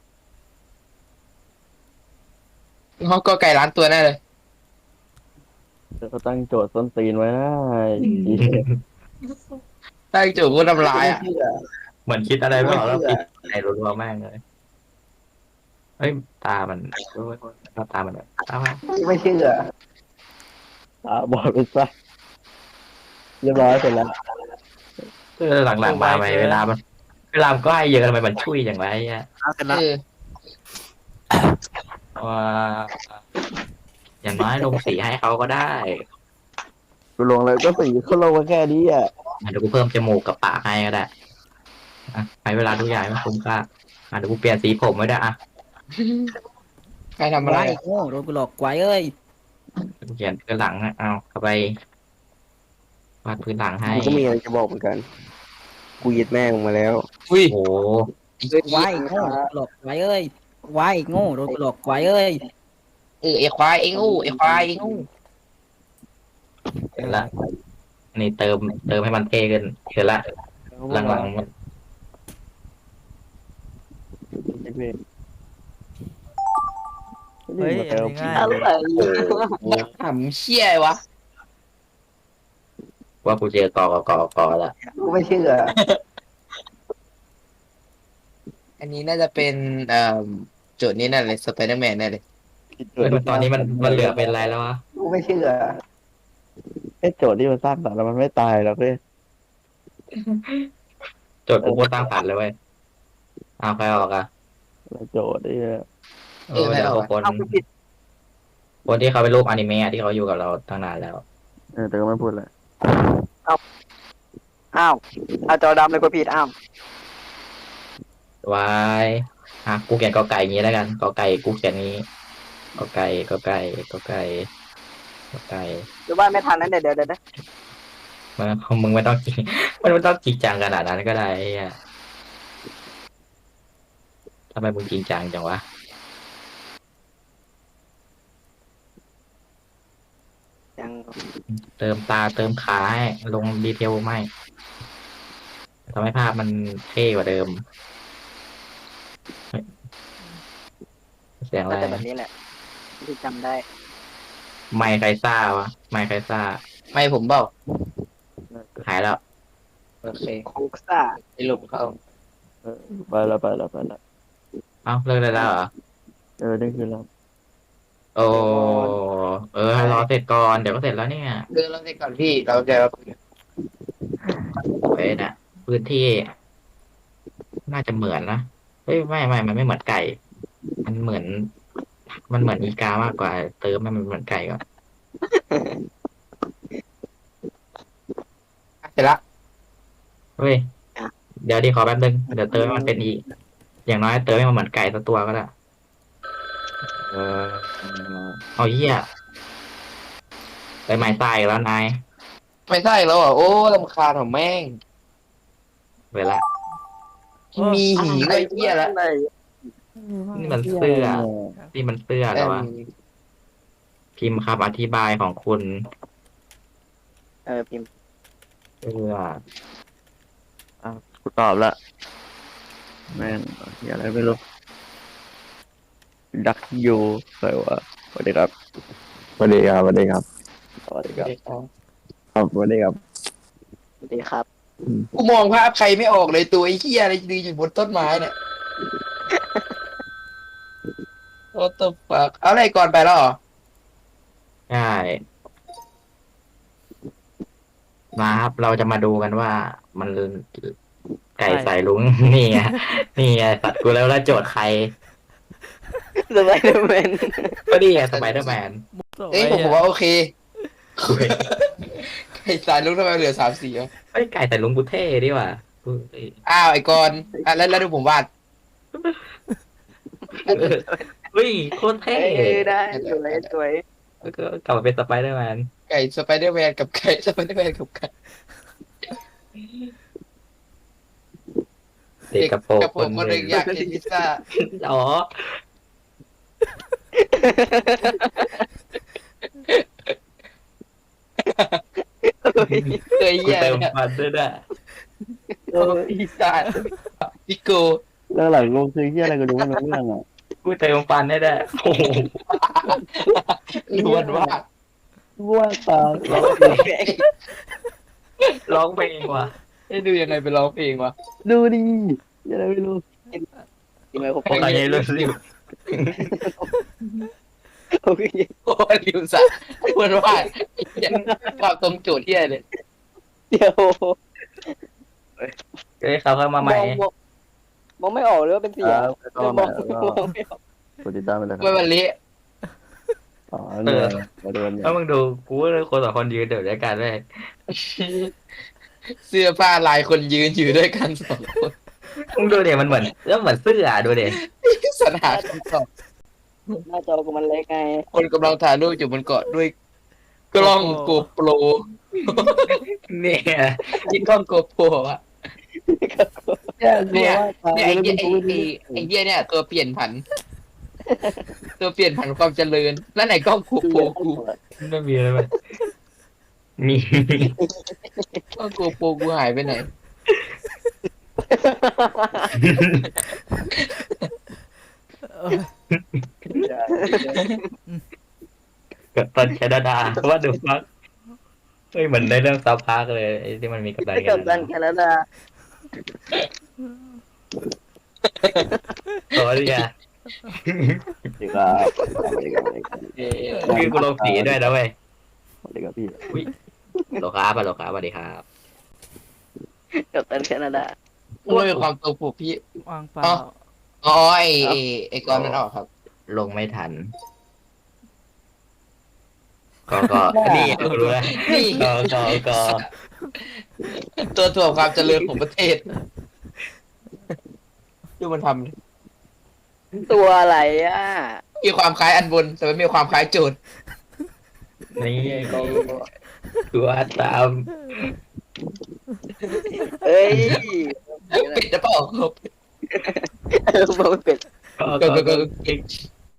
[SPEAKER 5] เขาก็ไก่ร้านตัวแน่เลย
[SPEAKER 2] ก็ตั้งโจทย์ส้นตีนไว้นะ
[SPEAKER 5] ตั้งจู่ก็ทำลายอ่ะ
[SPEAKER 4] เหมือนคิดอะไรไม่ออกแล้วปิดในรัวๆแม่งเลยเฮ้ยตามันตามันแบบตามัน
[SPEAKER 1] ไม่เชื่อ
[SPEAKER 2] ตาบอดไปซะเรียบร้อยเสร็จแล้ว
[SPEAKER 4] หลังๆมาไหมเวลามันก็ให้เยอะทำไมมันชุยอย่างไรอ่ะ
[SPEAKER 3] เสร็จแล้ว
[SPEAKER 4] ว่าอย่างน้อยลงสีให้เขาก็ได้
[SPEAKER 2] กูลงเลยก็สีเขาลงมาแค่นี้อ่ะ
[SPEAKER 4] เดี๋ยวกูเพิ่มจมูกกับปากให้ก็ได้อ่ะใช้เวลาทุกอย่างให้มันคุ้มค่าเดี๋ยวกูเปลี่ยนสีผมไว้ด้วยอ่ะ
[SPEAKER 5] ใครทำอะไร
[SPEAKER 7] ไอ้โง่โดนกูหลอกไว้เอ้ย
[SPEAKER 4] กูเขียนพื้นหลังนะเอาเข้าไปวาดพื้นหลังให้
[SPEAKER 6] กูก็มีอะไรจะบอกเหมือนกัน กูยึดแม่งมาแล้ว
[SPEAKER 5] อุ้ย
[SPEAKER 4] โอ้โห
[SPEAKER 7] ไว้โง่โดนกูหลอกไว้เอ้ยไว้โง่โดนกูหลอกไว้เอ้ย
[SPEAKER 5] ไอ้ควายไอ้งูไอ้ควายไอ้งู
[SPEAKER 4] เสร็จละอันนี้เติมให้มันเท่ขึ้นเสร็จละหลังๆมัน
[SPEAKER 3] เฮ้ยอันนี้ง่าย
[SPEAKER 1] อะไร
[SPEAKER 5] ทำเชี่ยวะ
[SPEAKER 4] ว่ากูเจอกอละ
[SPEAKER 1] กูไม่เชื่อ
[SPEAKER 5] อันนี้น่าจะเป็นโจทย์นี้น่าเลยสไปเดอร์แมนแน่เลย
[SPEAKER 4] ตอนนี้มันเหลือเป็นอะไรแล้ววะ
[SPEAKER 1] กูไม่เชื่อ
[SPEAKER 2] ไอ้โจทย์ที่มันสร้างสรรค์แล้วมันไม่ตายหรอกเว้ย
[SPEAKER 4] โจทย์กูโคตรสร้างสรรค์เลยเว้ยเอาใครออกอ่ะ
[SPEAKER 2] โจทย์ไอ้เหี้ย
[SPEAKER 4] เดี๋ยวคนที่เขาเป็นรูปอนิเมะที่เขาอยู่กับเราตั้งนานแล้ว
[SPEAKER 2] แต่ก็ไม่พูดเลย
[SPEAKER 1] อ้าวเอาจอดำเลยกูผิดอ้าว
[SPEAKER 4] ไว้กูเขียนกอไก่อย่างนี้แล้วกันกอไก่กูเขียนนี้กอไก่
[SPEAKER 1] หรือว่าไม่ทันนั้นเดี๋ยวนะ
[SPEAKER 4] มึงไม่ต้องจริงมันไม่ต้องจริงจังขนาดนั้นก็ได้ไอ้เหี้ยทำไมมึงจริงจังจังวะ
[SPEAKER 1] ยัง
[SPEAKER 4] เติมตาเติมขาให้ลงดีเทลไม่ทำให้ภาพมันเท่กว่าเดิมเสียงอะไร
[SPEAKER 1] น่าจะแบบนี้แหละที่จำได้
[SPEAKER 4] ไมค์ใครซ่าวะไมค์ใครซ่า
[SPEAKER 5] ไม่ผมเปล่า
[SPEAKER 4] หายแล้ว
[SPEAKER 5] โอเค
[SPEAKER 1] คุกซ่า
[SPEAKER 5] ไอ้หลุมเขา
[SPEAKER 2] ไปแล้ว
[SPEAKER 4] เอ้าเลิกได้แล้วเหรอ
[SPEAKER 2] นี่คือเรา
[SPEAKER 4] โอ้รอเสร็จก่อนเดี๋ยวก็เสร็จแล้วเนี่ย
[SPEAKER 5] เดินเราเสร็จก่อนพี่เราจะ
[SPEAKER 4] เว้ยนะพื้นที่ น่าจะเหมือนนะเฮ้ยไม่มันไม่เหมือนไก่ มันเหมือนมันเหมือนอีกามากกว่าเติมให้มันเหมือนไก่ก่อน
[SPEAKER 5] เสร็จละ
[SPEAKER 4] เฮ้ยเดี๋ยวดิขอแป๊บนึงเดี๋ยวเติมให้มันเป็นอีกอย่างน้อยเติมให้มันเหมือนไก่สักตัวก็ได้
[SPEAKER 2] เออ
[SPEAKER 4] เอาเหี้ยไปไม้ตายอีกแล้วนาย
[SPEAKER 5] ไม่ใช่แล้วอ่ะโอ้รำคาญของแม่ง
[SPEAKER 4] เวลา
[SPEAKER 5] มีหีไอ้เหี้ยแล้ว
[SPEAKER 4] นี่มันเสื้อนี่มันเสื้อแล้ววะพิมพ์คำอธิบายของคุณ
[SPEAKER 1] พิมพ์
[SPEAKER 4] เสื้อ
[SPEAKER 2] กูตอบละแม่งอะไรไม่รู้ดักยูใครวะสวัสดีครับสวัสดีครับสวัสดีครับสวัสดีครับครับสวัสดีครับ
[SPEAKER 1] สวัสดีครับ
[SPEAKER 5] กูมองภาพใครไม่ออกเลยตัวไอ้เหี้ยอะไรยืนอยู่บนต้นไม้เนี่ยโอ้ตัวฝักเอาอะไรก่อนไปแล้วเหรอ
[SPEAKER 4] ใช่มาครับเราจะมาดูกันว่ามันไก่ใส่ลุง นี่ไงนี่ไงสัตว์กูแล้วโจทย์ใคร
[SPEAKER 1] สไปเดอร์แมน
[SPEAKER 4] ก็นี่ไงสไปเดอร์แมน
[SPEAKER 5] เอ้ยผมว่าโอเคไอ้สายลุกทำไมเหลือ3 สีวะ
[SPEAKER 4] ไอ้ยไก่ใส่ลุงกูเท่ดีว่ะกูเอ้ย
[SPEAKER 5] อ้าวไอ้กอนอ่ะแล้วดูผมวาด
[SPEAKER 4] เฮ้ยโคตรเท่
[SPEAKER 1] ได้สวย
[SPEAKER 4] แล้วก็กลับมาเป็นสไปเดอร์แมน
[SPEAKER 5] ไก่สไปเดอร์แมนกับไก่สไปเดอร์แมนกับไก่
[SPEAKER 4] เด็กกระโปรง
[SPEAKER 5] กับผมคนหนึ่งอยากกินพิซซ่า
[SPEAKER 4] อ๋อ
[SPEAKER 5] เคย
[SPEAKER 4] กู
[SPEAKER 5] เหี้ย
[SPEAKER 4] เติม
[SPEAKER 5] เนี่ย
[SPEAKER 4] ฟันด้วยนะ
[SPEAKER 5] พิซซ่าพิโก้
[SPEAKER 2] เรื่องหลังลงคือที่อะไรก็ดูไม่รู้เรื่องอ่ะ
[SPEAKER 4] กูเติมฟันได้ด้วยโอ้โห
[SPEAKER 5] ล้วนวาด
[SPEAKER 2] ว่าตา
[SPEAKER 4] ร้องเพลงว่ะ
[SPEAKER 5] ให้ดูยังไงไปร้องเพลงวะ
[SPEAKER 2] ดูดิอะไรไม่รู้
[SPEAKER 1] จริงไหมผม
[SPEAKER 4] ใครยังรู้สิ
[SPEAKER 1] โอเค
[SPEAKER 5] โอ้ยลิวสะล้วนวาดยังความตรงโจทย์ที่อะไรเลย
[SPEAKER 1] เดี๋ยว
[SPEAKER 4] เอ้ยเขาเข้ามาใหม่
[SPEAKER 1] มองไม่ออกเลยว่าเป็นสี
[SPEAKER 2] ค
[SPEAKER 1] อะ
[SPEAKER 2] รับก็
[SPEAKER 1] ม
[SPEAKER 2] มา
[SPEAKER 1] องไม่ออก
[SPEAKER 2] กดติดตามไปเลยค
[SPEAKER 5] ไม่
[SPEAKER 2] รับ
[SPEAKER 5] วันเละ
[SPEAKER 2] อ๋อเรือมาดูกันเนี่ย
[SPEAKER 4] ถ้ามึงดูกูว่าคนสองคนยืนเดี๋ยวด้วยกันเลย
[SPEAKER 5] เสื้อผ้าลายคนยืนอยู่ด้วยกัน2 คน
[SPEAKER 4] มึงดูเดี๋ยวมันเหมือนแล้วเหมือนเสื้อดูเดี๋ยว
[SPEAKER 5] สนานคำตอบ
[SPEAKER 1] หน้าจอกูมันเล็กไง
[SPEAKER 5] คนกำลังถ่ายรูปอยู่บนเกาะด้วยกล้องโกโปร
[SPEAKER 4] เนี่ย
[SPEAKER 5] ยิงกล้องโกโปรอ่ะ
[SPEAKER 2] เนี่ย
[SPEAKER 5] เนี่ยไอ้เหี้ยไอ้เหี้ยเนี่ยตัวเปลี่ยนผัน ตัวเปลี่ยนผันความเจริญแล้วไหนกล้องโกโปรกู
[SPEAKER 4] ไม่มีอะไรไหมมี
[SPEAKER 5] กล้องโกโปรกูหายไปไหน
[SPEAKER 4] กับตันแคนาดาว่าดูฟักเฮ้ยเหมือนในเรื่องซาวพาร์กเลยไอ้ที่มันมีกับตันแค
[SPEAKER 1] กับ
[SPEAKER 4] นา
[SPEAKER 1] ดั
[SPEAKER 4] ดาน
[SPEAKER 1] แคนาดา
[SPEAKER 4] โอ้ยอ่ะ
[SPEAKER 2] สวัสดีครับสวัสดีครับ
[SPEAKER 4] พี่กูลงสีด้วยนะเว้ย
[SPEAKER 2] สวัสดีครับพี่
[SPEAKER 4] โลครับโลครับสวัสดีครับ
[SPEAKER 1] กับดันแคนาดา
[SPEAKER 5] ด้วยความตัวผูกพี่
[SPEAKER 3] วางเปล่า
[SPEAKER 5] อ๋อไอ้กอนมันออกครับ
[SPEAKER 4] ลงไม่ทัน ก็นี่กูรู้แล้ว
[SPEAKER 5] นี่
[SPEAKER 4] ก็
[SPEAKER 5] ตัวถ่วงความเจริญของประเทศ ดูมันทำดิ
[SPEAKER 1] ตัวอะไรอ่ะ
[SPEAKER 5] มีความคล้ายอันบน แต่ไม่มีความคล้ายโจทย์
[SPEAKER 4] นี่ตัวตาม
[SPEAKER 1] เอ้ย
[SPEAKER 5] ปิดจะเปล่าครับ
[SPEAKER 1] มันเป็น
[SPEAKER 4] ก็
[SPEAKER 5] ก็